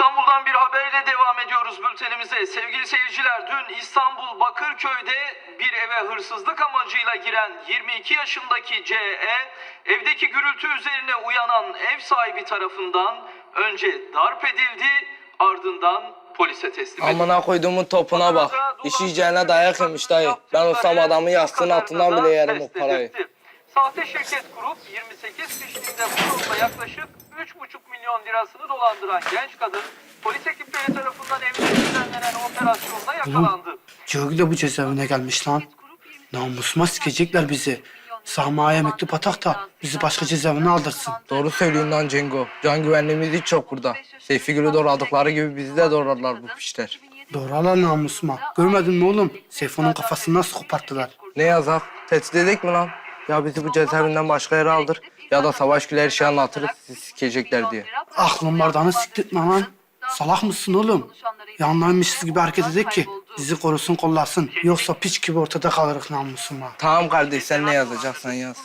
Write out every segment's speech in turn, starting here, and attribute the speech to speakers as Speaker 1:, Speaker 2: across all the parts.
Speaker 1: İstanbul'dan bir haberle devam ediyoruz bültenimize. Sevgili seyirciler, dün İstanbul Bakırköy'de bir eve hırsızlık amacıyla giren 22 yaşındaki C.E. evdeki gürültü üzerine uyanan ev sahibi tarafından önce darp edildi, ardından polise teslim edildi.
Speaker 2: Amına koyduğumun topuna bak. İş yiyeceğine dayak yemiş dayı. Ben olsam adamı yastığın altından bile yerim o parayı.
Speaker 1: Sahte şirket kurup 28 kişiliğinde bu yolda yaklaşık 3,5 milyon lirasını dolandıran genç kadın polis ekipleri tarafından evinde düzenlenen operasyonda yakalandı.
Speaker 3: Cihogil de bu cezaevine gelmiş lan. Namusuma sikecekler bizi. Sahma'ya mektup atak da bizi başka cezaevine aldırsın.
Speaker 2: Doğru söylüyorsun lan Cengo. Can güvenliğimiz hiç yok burada. Seyfi Gül'ü doğradıkları gibi bizi de doğrarlar bu pişler.
Speaker 3: Doğrular namusuma. Görmedin mi oğlum? Seyfo'nun kafasını nasıl koparttılar?
Speaker 2: Ne yazar? Tehdit edik mi lan? Ya bizi bu cezaevinden başka yere aldır ya da Savaş Gül'e her şeyi anlatırız sizi sikecekler diye.
Speaker 3: Aklın bardağını siktirtme lan. Salak mısın oğlum? Yanlarmışız gibi hareket edek ki bizi korusun kollasın. Yoksa piç gibi ortada kalırız namusuma.
Speaker 2: Tamam kardeş, sen ne yazacaksan yaz.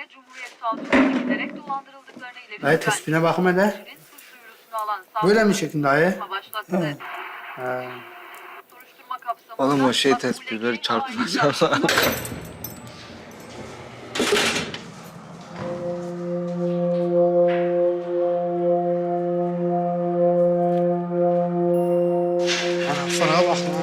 Speaker 3: Dayı tespihine bakım hele. Böyle mi çekin dayı?
Speaker 2: Oğlum o şey tespihleri çarpılacak.
Speaker 3: Sana bak lan.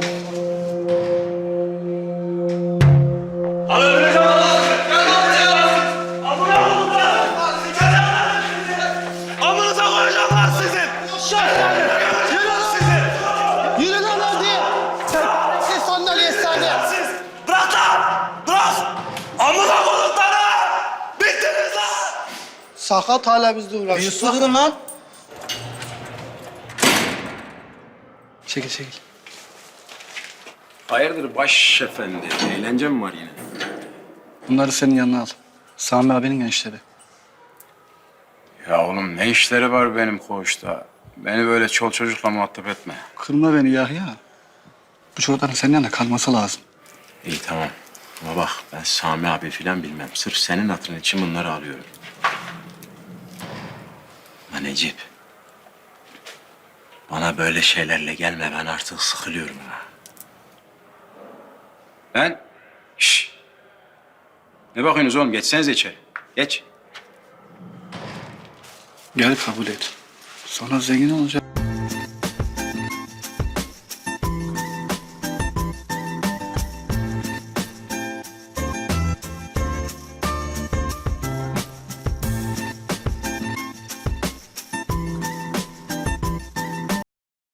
Speaker 4: Amınıza koyacaklar sizin! Yürü sizi!
Speaker 5: Yürü lan hadi! Sen sandalye saniye!
Speaker 4: Siz! Bırak lan! Bırak! Amına koydukları! Bittiniz lan!
Speaker 3: Sakat hala bizle uğraşıyor.
Speaker 5: Durun lan!
Speaker 3: Çekil çekil.
Speaker 6: Hayırdır baş efendi? Eğlence mi var yine?
Speaker 7: Bunları senin yanına al. Sami abinin gençleri.
Speaker 6: Ya oğlum ne işleri var benim koğuşta? Beni böyle çol çocukla muhatap etme.
Speaker 7: Kırma beni Yahya. Bu çocukların senin yanında kalması lazım.
Speaker 6: İyi tamam. Ama bak ben Sami abi filan bilmem. Sırf senin hatırın için bunları alıyorum. Ama Necip. Bana böyle şeylerle gelme. Ben artık sıkılıyorum ha. Şşş. Ne bakıyorsunuz oğlum? Geçsenize içeri. Geç.
Speaker 7: Gel kabul et. Sonra zengin olacak.